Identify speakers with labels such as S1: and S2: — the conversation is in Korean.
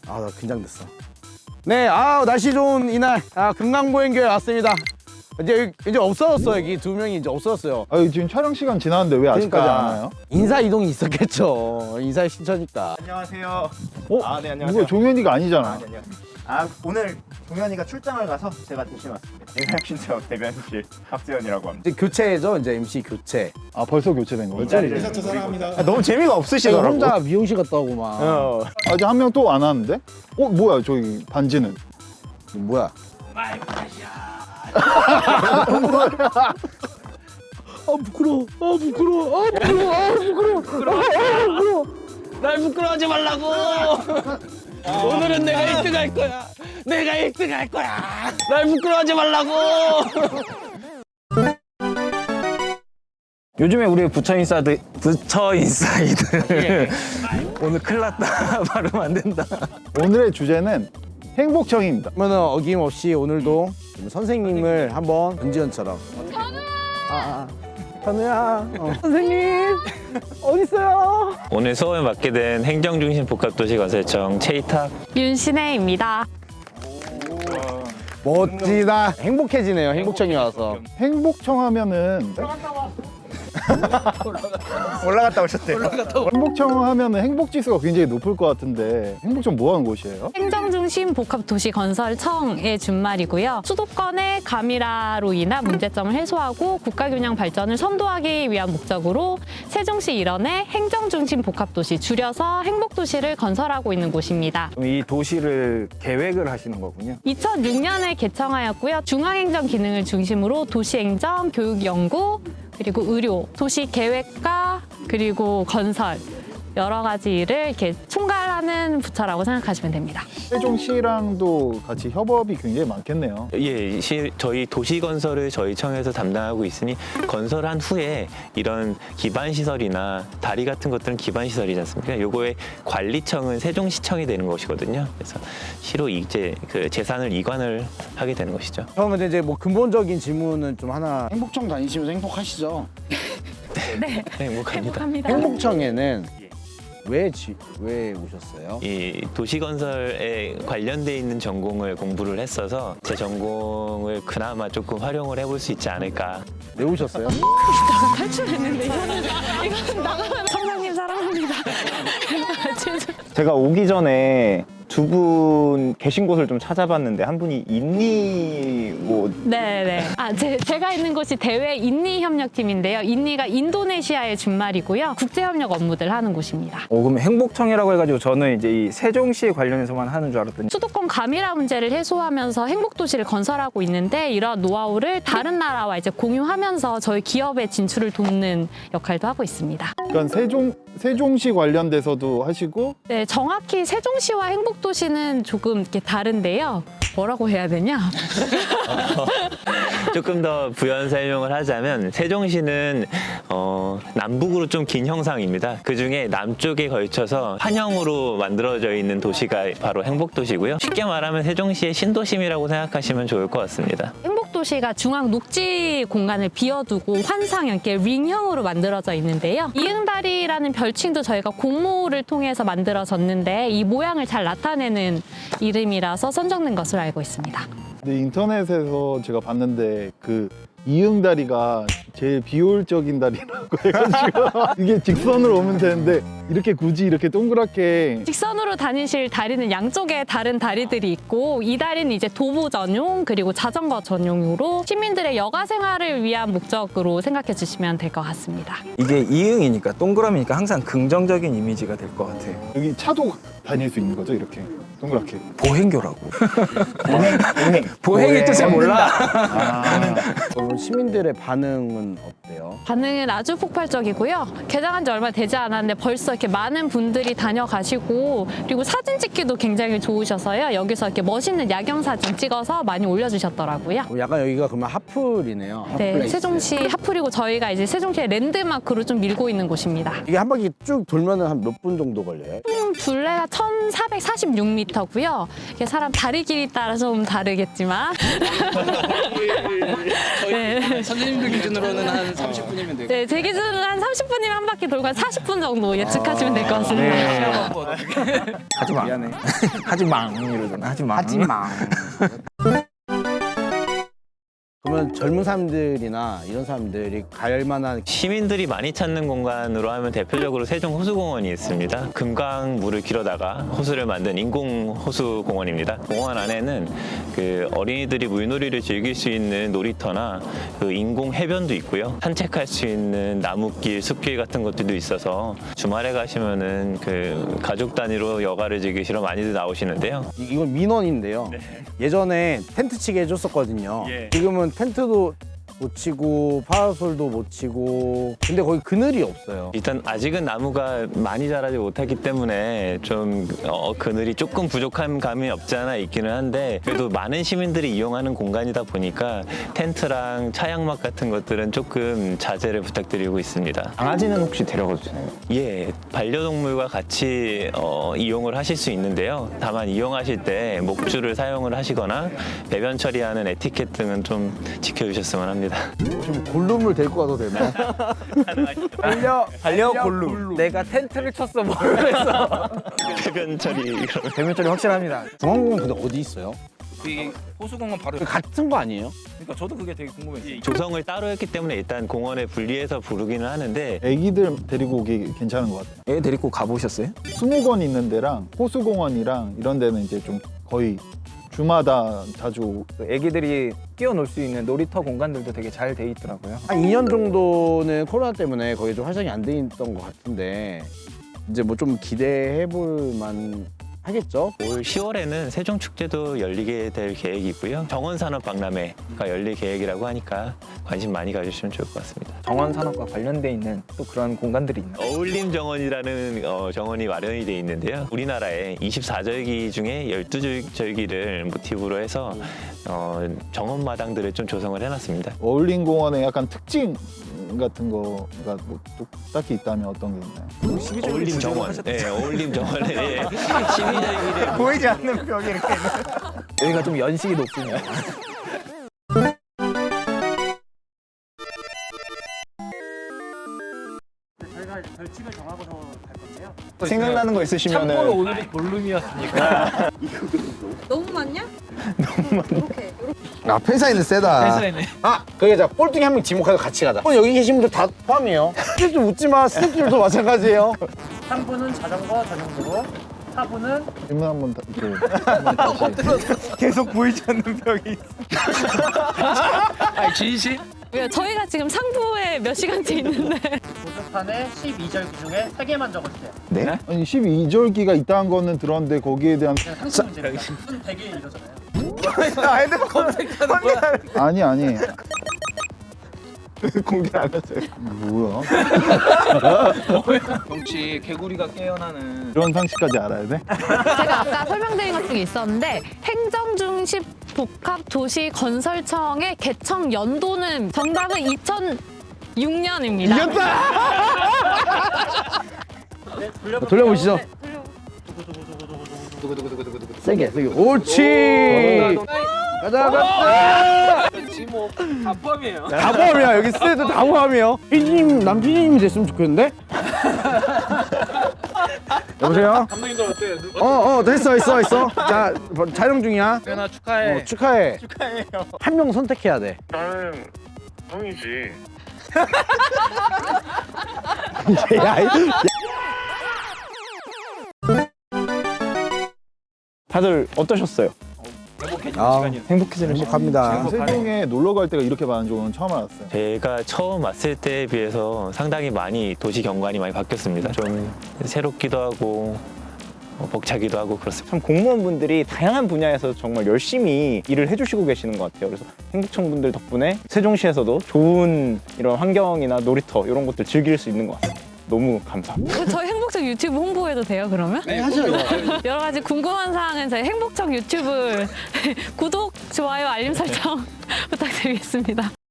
S1: 아, 나 긴장됐어. 네, 날씨 좋은 이날 금강보행교회 왔습니다. 이제 없어졌어. 여기 두 명이 이제 없어졌어요.
S2: 지금 촬영 시간 지났는데 왜 아직까지 안 와요?
S1: 인사 이동이 있었겠죠. 인사 신청이니까.
S3: 안녕하세요.
S2: 네,
S3: 안녕하세요.
S2: 누가 종현이가 아니잖아.
S3: 오늘 종현이가 출장을 가서 제가 대신 왔습니다. 대변신청 대변실 박재현이라고 합니다.
S1: 이제 교체죠. 이제 MC 교체.
S2: 벌써 교체된 거예요?
S3: 저 사랑합니다. 너무 재미가 없으시더라고.
S1: 혼자 미용실 갔다 오고 막.
S2: 아직 한 명 또 안 왔는데? 뭐야 저기 반지는?
S1: 뭐야? 부끄러워. 날 부끄러워하지 말라고. 오늘은 내가 1등 할 거야. 내가 1등 할 거야. 날 부끄러워하지 말라고.
S4: 요즘에 우리 부처 인사이드 오늘 큰일 났다. 발음 안 된다.
S2: 오늘의 주제는 행복청입니다.
S1: 그러면 어김없이 오늘도 선생님을 한번 은지연처럼. 현우야. 선생님 어디 있어요?
S4: 오늘 수업을 맡게 된 행정중심 복합도시건설청 최이탁
S5: 윤신혜입니다.
S1: 멋지다. 행복해지네요. 행복청이 와서.
S2: 행복청 하면은
S3: 올라갔다 오셨대요.
S2: 행복청 하면은 행복지수가 굉장히 높을 것 같은데 행복청 뭐 하는 곳이에요?
S5: 행정중심 복합도시건설청의 준말이고요. 수도권의 가미라로 인한 문제점을 해소하고 국가균형 발전을 선도하기 위한 목적으로 세종시 일원의 행정중심 복합도시, 줄여서 행복도시를 건설하고 있는 곳입니다.
S6: 이 도시를 계획을 하시는 거군요.
S5: 2006년에 개청하였고요. 중앙행정 기능을 중심으로 도시행정, 교육연구, 그리고 의료, 도시 계획과 그리고 건설 여러 가지 일을 이렇게 총괄하는 부처라고 생각하시면 됩니다.
S2: 세종시랑도 같이 협업이 굉장히 많겠네요.
S4: 예, 저희 도시건설을 저희 청에서 담당하고 있으니 건설한 후에 이런 기반시설이나 다리 같은 것들은 기반시설이지 않습니까? 요거의 관리청은 세종시청이 되는 것이거든요. 그래서 시로 이제 그 재산을 이관을 하게 되는 것이죠.
S1: 그러면 이제 뭐 근본적인 질문은 좀 하나. 행복청 다니시면서 행복하시죠?
S5: 네,
S4: 행복합니다.
S5: 행복합니다.
S1: 행복청에는 왜 오셨어요?
S4: 이 도시건설에 관련돼 있는 전공을 공부를 했어서 제 전공을 그나마 조금 활용을 해볼 수 있지 않을까.
S1: 왜 오셨어요?
S5: 탈출했는데 이거는 나가면 청장님 사랑합니다.
S3: 제가 오기 전에 두 분 계신 곳을 좀 찾아봤는데 한 분이 인니
S5: 네네. 제가 있는 곳이 대외 인니협력팀인데요. 인니가 인도네시아의 준말이고요. 국제협력 업무들 하는 곳입니다.
S6: 그럼 행복청이라고 해가지고 저는 이제 이 세종시 관련해서만 하는 줄 알았더니
S5: 수도권 가미라 문제를 해소하면서 행복도시를 건설하고 있는데 이러한 노하우를 다른 나라와 이제 공유하면서 저희 기업의 진출을 돕는 역할도 하고 있습니다.
S2: 그러니까 세종시 관련돼서도 하시고
S5: 네, 정확히 세종시와 행복도시는 조금 이렇게 다른데요. 뭐라고 해야 되냐?
S4: 조금 더 부연 설명을 하자면 세종시는 남북으로 좀 긴 형상입니다. 그중에 남쪽에 걸쳐서 환형으로 만들어져 있는 도시가 바로 행복도시고요. 쉽게 말하면 세종시의 신도심이라고 생각하시면 좋을 것 같습니다.
S5: 행복도시가 중앙 녹지 공간을 비워두고 환상형, 이렇게 링형으로 만들어져 있는데요. 이응다리라는 별칭도 저희가 공모를 통해서 만들어졌는데 이 모양을 잘 나타내는 이름이라서 선정된 것으로 알고 있습니다.
S2: 근데 인터넷에서 제가 봤는데 그 이응다리가 제일 비효율적인 다리라고 해가지고 이게 직선으로 오면 되는데 이렇게 굳이 이렇게 동그랗게
S5: 직선으로 다니실 다리는 양쪽에 다른 다리들이 있고 이 다리는 이제 도보 전용 그리고 자전거 전용으로 시민들의 여가 생활을 위한 목적으로 생각해 주시면 될 것 같습니다.
S6: 이게 이응이니까 동그라미니까 항상 긍정적인 이미지가 될 것 같아요.
S2: 여기 차도 다닐 수 있는 거죠 이렇게 동그랗게.
S6: 보행교라고.
S2: 보행.
S6: 보행의 뜻을 몰라.
S1: 그럼 시민들의 반응은 어때요?
S5: 반응은 아주 폭발적이고요. 개장한 지 얼마 되지 않았는데 벌써 이렇게 많은 분들이 다녀가시고 그리고 사진 찍기도 굉장히 좋으셔서요. 여기서 이렇게 멋있는 야경 사진 찍어서 많이 올려주셨더라고요.
S1: 약간 여기가 그러면 핫플이네요.
S5: 네,
S1: 핫플레이스.
S5: 세종시 핫플이고 저희가 이제 세종시의 랜드마크로 좀 밀고 있는 곳입니다.
S1: 이게 한 바퀴 쭉 돌면은 한 몇 분 정도 걸려요?
S5: 둘레가 1,446m 놀이터고요. 이게 사람 다리 길이 따라 좀 다르겠지만 네.
S7: 선생님들 기준으로는 한 30분이면 되고.
S5: 네, 제 기준으로는 한 30분이면 한 바퀴 돌고 한 40분 정도 예측하시면 될 것 같습니다.
S6: 하지 마. 미안해. 하지 마. 이러잖아. 하지 마. 하지 마.
S1: 그러면 젊은 사람들이나 이런 사람들이 갈 만한
S4: 시민들이 많이 찾는 공간으로 하면 대표적으로 세종 호수공원이 있습니다. 금강물을 길어다가 호수를 만든 인공 호수공원입니다. 공원 안에는 그 어린이들이 물놀이를 즐길 수 있는 놀이터나 그 인공 해변도 있고요. 산책할 수 있는 나무길, 숲길 같은 것들도 있어서 주말에 가시면은 그 가족 단위로 여가를 즐기시러 많이들 나오시는데요.
S1: 이건 민원인데요. 예전에 텐트 치게 해줬었거든요.
S4: 예.
S1: 지금은 텐트도 못 치고 파라솔도 못 치고 근데 거기 그늘이 없어요.
S4: 일단 아직은 나무가 많이 자라지 못했기 때문에 좀 그늘이 조금 부족한 감이 없지 않아 있기는 한데 그래도 많은 시민들이 이용하는 공간이다 보니까 텐트랑 차양막 같은 것들은 조금 자제를 부탁드리고 있습니다.
S3: 강아지는 혹시 데려가도 되나요?
S4: 예, 반려동물과 같이 이용을 하실 수 있는데요. 다만 이용하실 때 목줄을 사용을 하시거나 배변 처리하는 에티켓 등은 좀 지켜주셨으면 합니다.
S1: 지금 골룸을 데리고 가도 되나요?
S6: 달려 골루. 내가 텐트를 쳤어. 뭘 했어.
S4: 배변 처리
S6: 대면처리 확실합니다.
S1: 중앙공원 근데 어디 있어요?
S7: 이게 호수공원 바로.
S1: 그 같은 거 아니에요?
S7: 그러니까 저도 그게 되게 궁금했어요.
S4: 조성을 따로 했기 때문에 일단 공원에 분리해서 부르기는 하는데
S2: 애기들 데리고 오기 괜찮은 것 같아요.
S6: 애 데리고 가보셨어요?
S2: 수목원 있는 데랑 호수공원이랑 이런 데는 이제 좀 거의 주마다 자주
S6: 애기들이 뛰어놀 수 있는 놀이터 공간들도 되게 잘 돼 있더라고요.
S1: 한 2년 정도는 코로나 때문에 거기 좀 활성이 안 돼 있던 것 같은데 이제 뭐 좀 기대해 볼 만 하겠죠?
S4: 올 10월에는 세종축제도 열리게 될 계획이고요. 정원산업박람회가 열릴 계획이라고 하니까 관심 많이 가주시면 좋을 것 같습니다.
S6: 정원 산업과 관련돼 있는 또 그런 공간들이 있나요?
S4: 어울림 정원이라는 정원이 마련이 돼 있는데요. 우리나라의 24절기 중에 12절기를 모티브로 해서 정원 마당들을 좀 조성을 해놨습니다.
S2: 어울림 공원의 약간 특징 같은 거가 뭐 딱히 있다면 어떤 게 있나요?
S4: 어울림 정원. 네, 어울림 정원에 예. 12절기를
S6: 보이지 않는 벽이 이렇게 있는. 여기가 좀 연식이 높군요.
S3: 생각나는 거 있으시면은
S6: 오늘이 볼룸이었으니까.
S8: 너무 많냐?
S1: 아 팬사인은 세다. 아 그게 자 꼴등이 한 명 지목해서 같이 가자. 여기 계신 분들 다 포함이에요. 스태프들 웃지 마. 스태프들도 마찬가지예요.
S9: 3분은 자전거 전용도로, 4분은
S2: 질문 한번 다시.
S6: 계속 보이지 않는 벽이.
S7: 아, 지인 씨?
S5: 왜요? 저희가 지금 상부에 몇 시간째 있는데
S9: 보드판에 12절기 중에 3개만 적어주세요.
S3: 네?
S2: 아니 12절기가 있다는 거는 들었는데 거기에 대한
S9: 그냥 상식 문제입니다. 순 100일 이러잖아요.
S6: 핸드폰 검색하는 거야.
S2: 아니
S3: 공개 안 했어요.
S2: 뭐야?
S7: 경치 개구리가 깨어나는.
S2: 이런 상식까지 알아야 돼?
S5: 제가 아까 설명드린 것 중에 있었는데 행정중심 복합도시건설청의 개청 연도는 정답은 2006년입니다.
S1: 돌려보시죠. 세게 세게. 옳지. 가자.
S7: 지모 다 포함이에요.
S1: 다 포함이야. 여기 스태프들 다 포함이에요. 피디님 남 피디님이 됐으면 좋겠는데. 여보세요.
S7: 감독님들 어때요?
S1: 됐어. 자 촬영 중이야.
S7: 태연아 축하해.
S1: 축하해. 축하해요. 한 명 선택해야 돼.
S10: 나는 형이지.
S1: 야,
S3: 다들 어떠셨어요? 행복해지는 시간.
S1: 행복합니다.
S2: 세종에 놀러 갈 때가 이렇게 많은 줄은 처음 알았어요.
S4: 제가 처음 왔을 때에 비해서 상당히 많이 도시 경관이 많이 바뀌었습니다. 좀 새롭기도 하고 벅차기도 하고 그렇습니다.
S3: 참 공무원분들이 다양한 분야에서 정말 열심히 일을 해주시고 계시는 것 같아요. 그래서 행복청 분들 덕분에 세종시에서도 좋은 이런 환경이나 놀이터 이런 것들 즐길 수 있는 것 같습니다. 너무 감사합니다.
S5: 저희 행복청 유튜브 홍보해도 돼요, 그러면?
S7: 네, 하셔요.
S5: 여러 가지 궁금한 사항은 저희 행복청 유튜브 구독, 좋아요, 알림 설정 부탁드리겠습니다.